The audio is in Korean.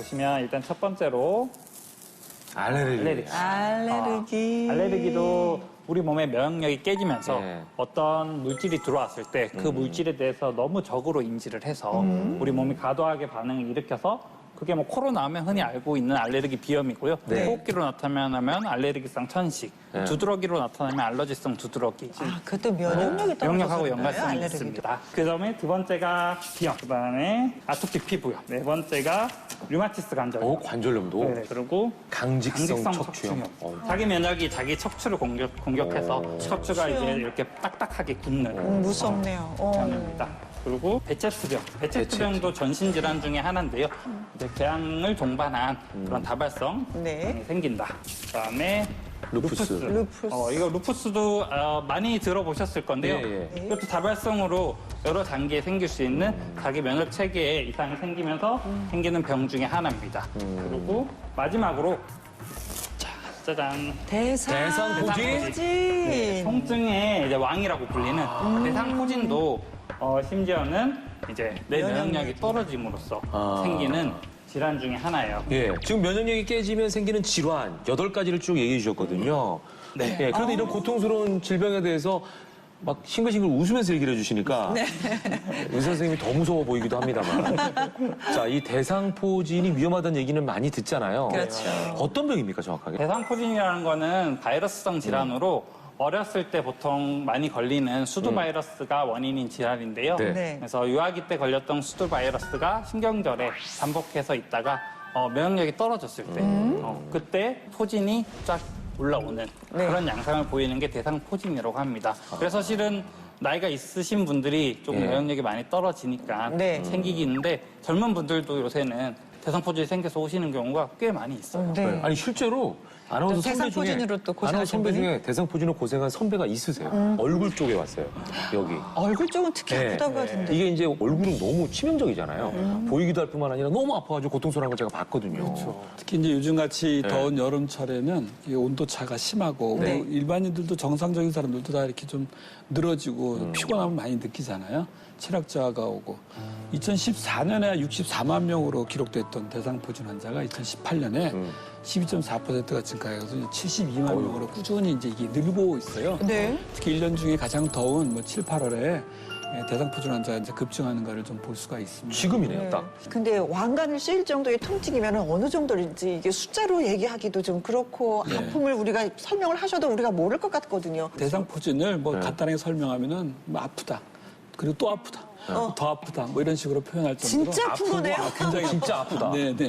보시면 일단 첫 번째로 알레르기. 알레르기도 우리 몸의 면역력이 깨지면서 네. 어떤 물질이 들어왔을 때 그 물질에 대해서 너무 적으로 인지를 해서 우리 몸이 과도하게 반응을 일으켜서 그게 뭐 코로 나오면 흔히 알고 있는 알레르기 비염이고요. 네. 호흡기로 나타나면 알레르기성 천식, 네. 두드러기로 나타나면 알러지성 두드러기. 아, 그것도 면역력이 떨어져서 면역하고 그런가요? 연관성이 알레르기도. 있습니다. 그다음에 두 번째가 비염, 그다음에 아토피 피부염, 네 번째가 류마티스 관절염. 관절염도. 네, 그리고 강직성 척추염. 자기 면역이 자기 척추를 공격해서 척추가 이제 이렇게 딱딱하게 굳는 무섭네요. 병입니다. 그리고 베체스병. 베체스병도 전신 질환 중에 하나인데요. 이제 궤양을 동반한 그런 다발성 네. 병이 생긴다. 그다음에 루푸스. 루푸스. 이거 루푸스도 많이 들어보셨을 건데요. 예, 예. 이것도 다발성으로 여러 단계에 생길 수 있는 자기 면역 체계에 이상이 생기면서 생기는 병 중에 하나입니다. 그리고 마지막으로 짜잔. 대상포진? 네, 통증의 이제 왕이라고 불리는 대상포진도 심지어는 이제 내 면역력이 떨어짐으로써 생기는 질환 중에 하나예요. 예, 지금 면역력이 깨지면 생기는 질환 8가지를 쭉 얘기해 주셨거든요. 네. 예, 그런데 이런 고통스러운 질병에 대해서 막 싱글싱글 웃으면서 얘기를 해주시니까 의사 선생님이 더 무서워 보이기도 합니다만. 자, 이 대상포진이 위험하다는 얘기는 많이 듣잖아요. 그렇죠. 어떤 병입니까, 정확하게? 대상포진이라는 거는 바이러스성 질환으로 어렸을 때 보통 많이 걸리는 수두 바이러스가 원인인 질환인데요. 네. 네. 그래서 유아기 때 걸렸던 수두 바이러스가 신경절에 반복해서 있다가 면역력이 떨어졌을 때 그때 포진이 쫙 올라오는 그런 양상을 보이는 게 대상포진이라고 합니다. 그래서 실은 나이가 있으신 분들이 조금 예. 면역력이 많이 떨어지니까 네. 생기기는데 젊은 분들도 요새는 대상포진이 생겨서 오시는 경우가 꽤 많이 있어요. 네. 아니, 실제로 아나운서 선배 중에 대상포진으로 또 고생하신 아나운서 선배 분이? 중에 대상포진으로 고생한 선배가 있으세요. 얼굴 쪽에 왔어요. 여기. 얼굴 쪽은 특히 네. 아프다고 하던데. 이게 이제 얼굴은 너무 치명적이잖아요. 보이기도 할 뿐만 아니라 너무 아파가지고 고통스러운 걸 제가 봤거든요. 특히 이제 요즘같이 더운 여름철에는 이 온도 차가 심하고 네. 뭐 일반인들도 정상적인 사람들도 다 이렇게 좀 늘어지고 피곤함을 많이 느끼잖아요. 체력 저하가 오고 2014년에 64만 명으로 기록됐던 대상포진 환자가 2018년에 12.4%가 증가해서 72만 명으로 꾸준히 이제 이게 늘고 있어요. 네. 특히 1년 중에 가장 더운 뭐 7, 8월에 대상포진 환자가 이제 급증하는 거를 좀 볼 수가 있습니다. 지금이네요, 딱. 근데 왕관을 씌일 정도의 통증이면 어느 정도인지 이게 숫자로 얘기하기도 좀 그렇고 아픔을 우리가 설명을 하셔도 우리가 모를 것 같거든요. 대상포진을 뭐 간단하게 설명하면은 뭐 아프다. 그리고 또 아프다. 더 아프다. 뭐 이런 식으로 표현할 정도로 진짜 아픈 거네요. 굉장히 진짜 아프다. 네, 네.